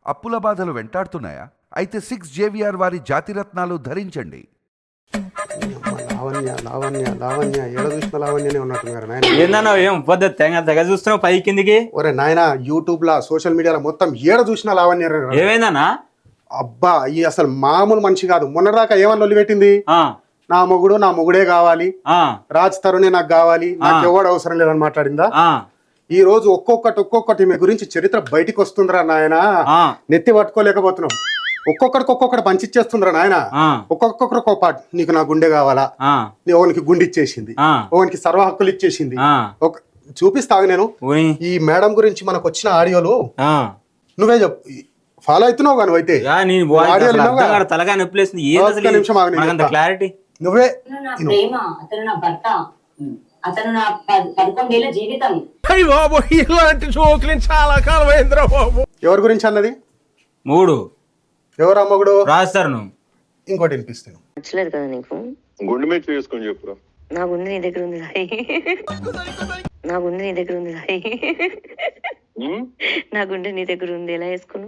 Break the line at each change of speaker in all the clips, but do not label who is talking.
అప్పుల బాధలు వెంటాడుతున్నాయా? అయితే 6 JVR వారి జాతిరత్నాలు ధరించండి.
లావణ్య లావణ్య లావణ్య ఏడ చూసిన లావణ్యనే ఉన్నట్టున్నారు నాయన.
ఏందన్నా ఏం పద్ధతి తెగ చూస్తున్నావు పై కిందికి?
ఒరే నాయన, యూట్యూబ్ లా సోషల్ మీడియాలో మొత్తం ఏడ చూసిన లావణ్య.
ఏమైందన్నా?
అబ్బా, ఈ అసలు మామూలు మనిషి కాదు. మొన్నదాకా ఏమని లొల్లి పెట్టింది, నా మొగుడే కావాలి, రాజ్ తరుణే నాకు కావాలి, నాకు ఎవడు అవసరం లేదని మాట్లాడిందా. ఈ రోజు ఒక్కొక్కటి మీ గురించి చరిత్ర బయటికి వస్తుందిరా నాయన. నెత్తి పట్టుకోలేకపోతున్నాం. ఒక్కొక్కడికి పంచిచ్చేస్తుందిరా నాయన. ఒక్కొక్కరు ఒక పాట, నీకు నా గుండె కావాలా, ఓనికి గుండె ఇచ్చేసింది, ఓనికి సర్వ హక్కులు ఇచ్చేసింది. చూపిస్తాగు నేను ఈ మేడం గురించి మనకు వచ్చిన ఆడియోలు. నువ్వే చెప్పు, ఫాలో అవుతున్నావు కానీ అయితే
క్లారిటీ
నువ్వే.
అతను నా 11 ఏళ్ల జీవితం.
ఇలాంటి జోకులు చాలా కాలం అయిందిరా బాబు.
ఎవరి గురించి అన్నది?
3
ఎవరు అమ్మగుడు
రాస్తారు.
ఇంకోటి వినిపిస్తాను.
నచ్చలేదు కదా నీకు?
గుండె మీద చేసుకొని చెప్పురా.
నా గుండె నీ దగ్గర ఉంది రాయి, నా గుండె నీ దగ్గర ఉంది రాయి, నా గుండె నీ దగ్గర ఉంది, ఎలా వేసుకున్నావు?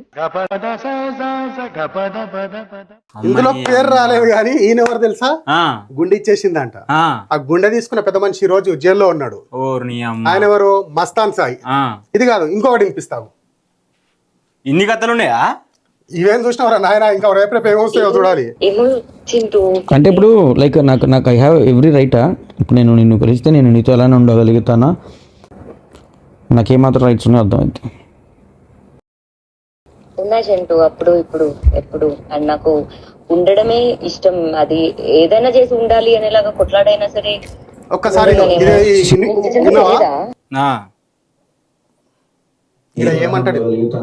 ఇందులో పేరు రాలేదు కానీ ఈయన ఎవరు తెలుసా? గుండె ఇచ్చేసిందంట. ఆ గుండె తీసుకున్న పెద్ద మనిషి ఈ రోజు జైల్లో ఉన్నాడు. ఆయన ఎవరు? మస్తాన్ సాయి. ఇది కాదు, ఇంకొకటి వినిపిస్తావు.
ఇన్ని కథలు ఉన్నాయా?
ఇవేం చూసినవరా నాయన? ఇంకా రేపు ఏమొస్తాయో చూడాలి.
అంటే ఇప్పుడు లైక్ నాకు ఐ హ్యావ్ ఎవ్రీ రైటా. ఇప్పుడు నేను నిన్ను కలిస్తే నేను నీతో ఎలానే ఉండగలుగుతానా? నాకేమాత్రం రైట్స్ ఉన్నాయో అర్థమైంది.
ఉన్నా చింటూ, అప్పుడు ఇప్పుడు ఎప్పుడు అండ్ నాకు ఉండడమే ఇష్టం. అది ఏదైనా చేసి ఉండాలి అనేలాగా కొట్లాడైనా సరే.
ఒక్కసారి ఏమంటాడు?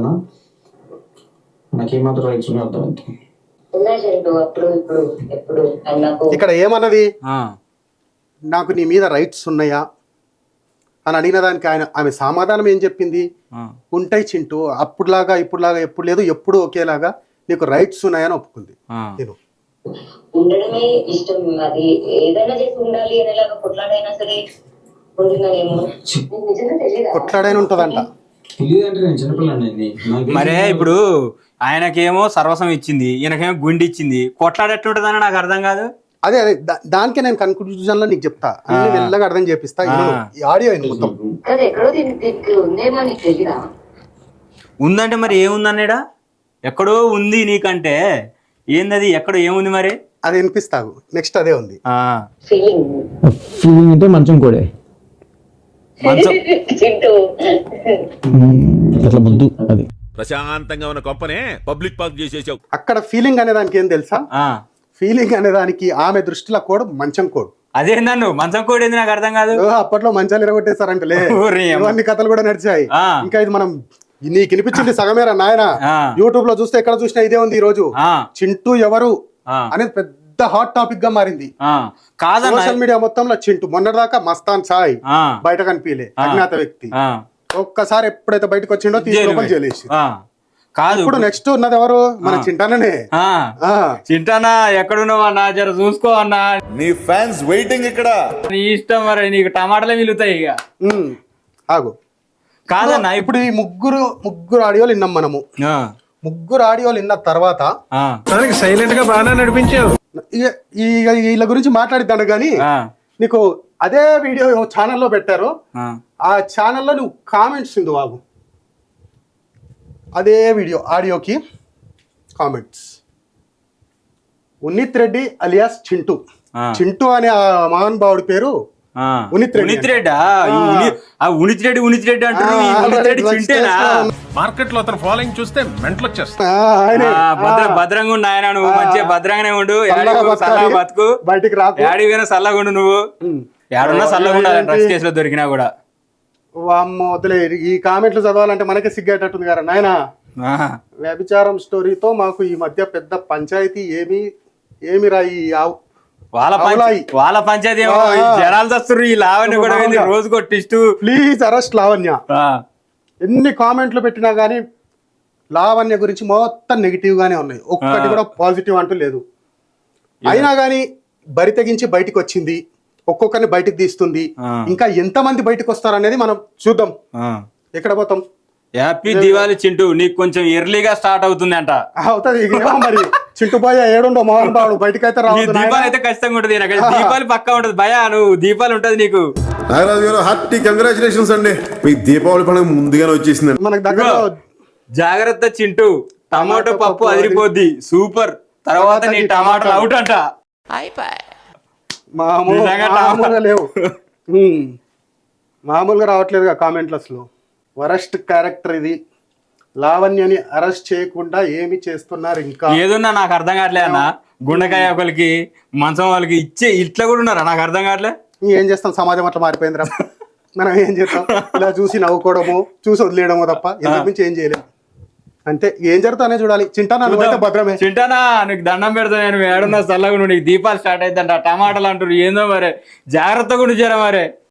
నాకేమాత్రం రైట్స్ ఉన్నాయో అర్థమైంది.
ఉన్నా చింటూ, అప్పుడు ఇప్పుడు ఎప్పుడు అండ్ నాకు.
ఇక్కడ ఏమన్నది? నాకు నీ మీద రైట్స్ ఉన్నాయా అని అడిగిన దానికి ఆమె సమాధానం ఏం చెప్పింది? ఉంటాయి చింటూ, అప్పుడులాగా ఇప్పుడులాగా ఎప్పుడు లేదు, ఎప్పుడు ఒకేలాగా నీకు రైట్స్ ఉన్నాయని ఒప్పుకుంది. నేను
ఉండడమే ఇష్టం. అది ఏదైనా చేసి ఉండాలి అనేలాగా కొట్లాడైనా సరే ఉంటున్నానేమో.
కొట్లాడైనా ఉంటదంట.
మరే ఇప్పుడు ఆయనకేమో సర్వస్వం ఇచ్చింది, ఈయనకేమో గుండె ఇచ్చింది. కొట్లాడేట్లుంటదని నాకు అర్థం కాదు.
అదే దానికే నేను కన్క్లూజన్ లో నీకు చెప్తా, అన్ని మెల్లగా అర్థం చేపిస్తా. ఆడియో మొత్తం
ఉందంటే మరి ఏముందన్నాడా? ఎక్కడో ఉంది నీకంటే ఏందది? ఎక్కడో ఏముంది మరి?
అది వినిపిస్తావు. నెక్స్ట్ అదే ఉంది.
ఫీలింగ్ అంటే మంచం కూడా అట్లా ముద్దు. అది
ప్రశాంతంగా ఉన్న కొంపనే పబ్లిక్ పార్క్ చేసేసావు.
అక్కడ ఫీలింగ్ అనే దానికి ఏం తెలుసా? ఫీలింగ్ అనే దానికి ఆమె దృష్టిలో కోడ్ మంచం కోడ్.
అదే నన్ను మంచం కోడ్ ఏంది నాకు అర్థం కాదు.
అప్పట్లో మంచాలు ఎరగొట్టేశారంటలే, ఇవన్నీ కథలు కూడా నడిచాయి. ఇంకా ఇది మనం నీకు వినిపించింది సగమేరా నాయన. యూట్యూబ్ లో చూస్తే ఎక్కడ చూసినా ఇదే ఉంది. ఈ రోజు చింటూ ఎవరు అనేది పెద్ద హాట్ టాపిక్ గా మారింది. సోషల్ మీడియా మొత్తంలో చింటూ. మొన్నటిదాకా మస్తాన్ సాయి బయట కనిపించలే, అజ్ఞాత వ్యక్తి. ఒక్కసారి ఎప్పుడైతే బయటకు వచ్చిండో తీసుకొని జైలేసి.
కాదు,
ఇప్పుడు నెక్స్ట్ ఉన్నది ఎవరు? మన చింటానే.
చింటానా ఎక్కడున్నావు అన్నా? జర చూసుకో అన్నా,
నీ ఫ్యాన్స్ వెయిటింగ్ ఇక్కడ.
నీ ఇష్టం మరి, నీకు టమాటాలే మిగులుతాయి ఇక.
ఆగు.
కాదన్నా,
ఇప్పుడు ఈ ముగ్గురు ఆడియోలు విన్నాం మనము. ముగ్గురు ఆడియోలు విన్న తర్వాత
సైలెంట్ గా బాగా నడిపించావు.
వీళ్ళ గురించి మాట్లాడిద్దాను గానీ, నీకు అదే వీడియో ఛానల్లో పెట్టారు. ఆ ఛానల్లో నువ్వు కామెంట్స్ ఉంది బాబు. అదే వీడియో ఆడియోకి కామెంట్స్. ఉన్నిత్ రెడ్డి అలియాస్ చింటూ. చింటూ అనే ఆ మహానుభావుడి పేరు ఉన్నిత్ రెడ్డి.
మార్కెట్ లో అతను ఫాలోయింగ్ చూస్తే మెంటల్ వచ్చేస్తా.
భద్రంగా ఉండు ఆయన, నువ్వు మంచిగా భద్రంగానే ఉండు. బతుకు,
బయటికి రాకు,
ఏడిపోయినా చల్లగా ఉండు. నువ్వు ఏడున్నా చల్లగా ఉండాలి, డ్రగ్స్ కేసులో దొరికినా కూడా.
వామ్మో వదిలే, ఈ కామెంట్లు చదవాలంటే మనకే సిగ్గేటట్టుంది కదా నాయన. వ్యభిచారం స్టోరీతో మాకు ఈ మధ్య పెద్ద పంచాయతీ ఏమి రాయి.
వాళ్ళ పంచాయతీ జనాలు వస్తారు. ఈ లావణ్య కూడా రోజు కొట్టిస్తూ
ప్లీజ్ అరెస్ట్ లావణ్య. ఎన్ని కామెంట్లు పెట్టినా గానీ లావణ్య గురించి మొత్తం నెగిటివ్ గానే ఉన్నాయి. ఒక్కటి కూడా పాజిటివ్ అంటూ లేదు. అయినా గానీ బరి తెగించి బయటకు వచ్చింది. ఒక్కొక్కరిని బయటకు తీస్తుంది. ఇంకా ఎంతమంది బయటకు వస్తారు అనేది మనం చూద్దాం. ఎక్కడ పోతాం?
హ్యాపీ దివాళీ చింటూ, నీకు కొంచెం ఎర్లీగా స్టార్ట్ అవుతుంది అంట.
అవుతుంది ఇక ఏమో మరి చింటుబాయ ఏడుండో మోహన్ బాబు బయటకైతే
నీ
రావద్దు
దీపావళి
నాయనా.
అయితే ఖచ్చితంగా ఉంటది, నాకు దీపావళి పక్కా ఉంటది భయ, నువ్వు దీపావళి ఉంటది నీకు.
నాగరాజు గారు హార్టీ కంగ్రాచులేషన్స్ అండి, మీ దీపావళి పండుగ ముందుగానే వచ్చేసింది.
మనకు దగ్గర
జాగ్రత్త చింటూ, టమాటో పప్పు అదిరిపోద్ది, సూపర్. తర్వాత నీ టమాటాలు అవుట్ అంట. నిజంగా
మామూలుగా లేవు. మామూలుగా రావట్లేదుగా కామెంట్లస్ లో. వరస్ట్ క్యారెక్టర్ ఇది. లావణ్యని అరెస్ట్ చేయకుండా ఏమి చేస్తున్నారు ఇంకా?
ఏదున్నా నాకు అర్థం కావట్లే అన్న. గుండెకాయ ఒకరికి, మంచం వాళ్ళకి ఇచ్చే ఇట్లా కూడా ఉన్నారా? నాకు అర్థం కావట్లే.
ఏం చేస్తాం, సమాజం అట్లా మారిపోయిందిరా. మనం ఏం చేస్తాం, ఇలా చూసి నవ్వుకోవడము, చూసి వదిలేయడము తప్ప ఇంతకు మించి ఏం చేయలేము. అంతే, ఏం జరుగుతానే చూడాలి. చింటానా నువ్వైతే భద్రమే.
చింటానా నీకు దండం పెడతా, నేను ఏడున్నా చల్లగా, నీకు దీపాలు స్టార్ట్ అవుతుందంట, టమాటాలు అంటారు ఏందో మరి, జాగ్రత్తగా ఉండి చేరా మరి.